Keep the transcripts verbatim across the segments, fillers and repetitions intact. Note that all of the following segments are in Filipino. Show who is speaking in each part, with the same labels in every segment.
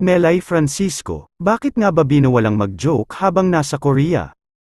Speaker 1: Melay Francisco, bakit nga ba binawalang mag-joke habang nasa Korea?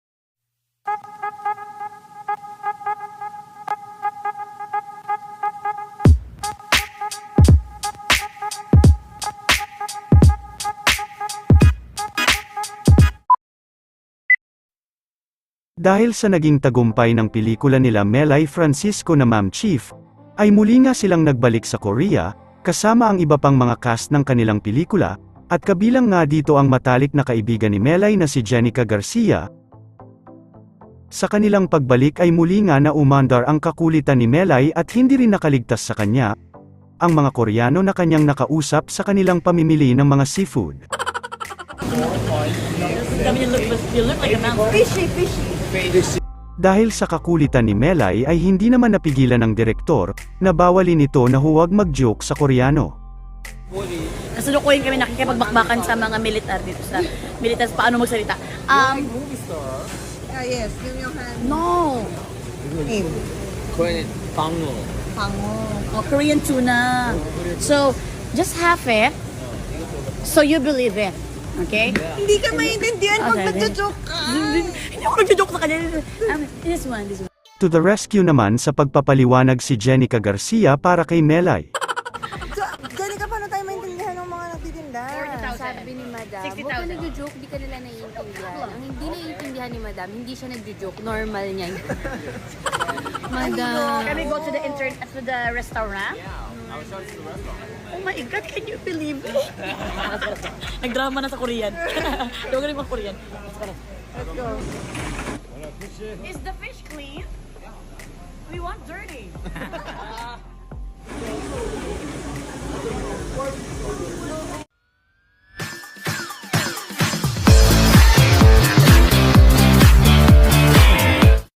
Speaker 1: Dahil sa naging tagumpay ng pelikula nila Melay Francisco na Ma'am Chief, ay muli nga silang nagbalik sa Korea, kasama ang iba pang mga cast ng kanilang pelikula, at kabilang nga dito ang matalik na kaibigan ni Melay na si Jenica Garcia. Sa kanilang pagbalik ay muli nga na umandar ang kakulitan ni Melay at hindi rin nakaligtas sa kanya, ang mga Koreano na kanyang nakausap sa kanilang pamimili ng mga seafood.
Speaker 2: Fishy, fishy.
Speaker 1: Dahil sa kakulitan ni Melay ay hindi naman napigilan ng direktor, na bawalin ito na huwag mag-joke sa Koreano.
Speaker 2: Kasalukuyan kami nakikipagbakbakan sa mga militar dito sa militar paano magsalita. Um,
Speaker 3: Ah, yes, yung yung hand.
Speaker 2: no.
Speaker 3: Name.
Speaker 4: Korean 방어.
Speaker 3: Pango.
Speaker 2: Oh, Korean tuna. So, just half it. So you believe it. Okay?
Speaker 3: Hindi ka maintindihan pag
Speaker 2: Okay, okay.
Speaker 3: nagjo-joke ka.
Speaker 2: Hindi ako nagjo-joke sa kanya. Um, this one, this one.
Speaker 1: To the rescue naman sa pagpapaliwanag si Jenica Garcia para kay Melay.
Speaker 3: So, Jenica, paano tayo maintindihan ng mga nagtitinda?
Speaker 5: Sabi ni Madam,
Speaker 2: sixty
Speaker 5: huwag ka
Speaker 2: thousand.
Speaker 5: nagjo-joke, di ka nila naiintindihan. Ang hindi naiintindihan ni Madam, hindi siya nagjo-joke, normal niya. Madam.
Speaker 2: Can we go to the intern to the restaurant? Oh my God, can you believe it? Nagdrama na sa Korean. Huwag rin mga Korean.
Speaker 3: Let's go.
Speaker 2: Is the fish clean? We want dirty.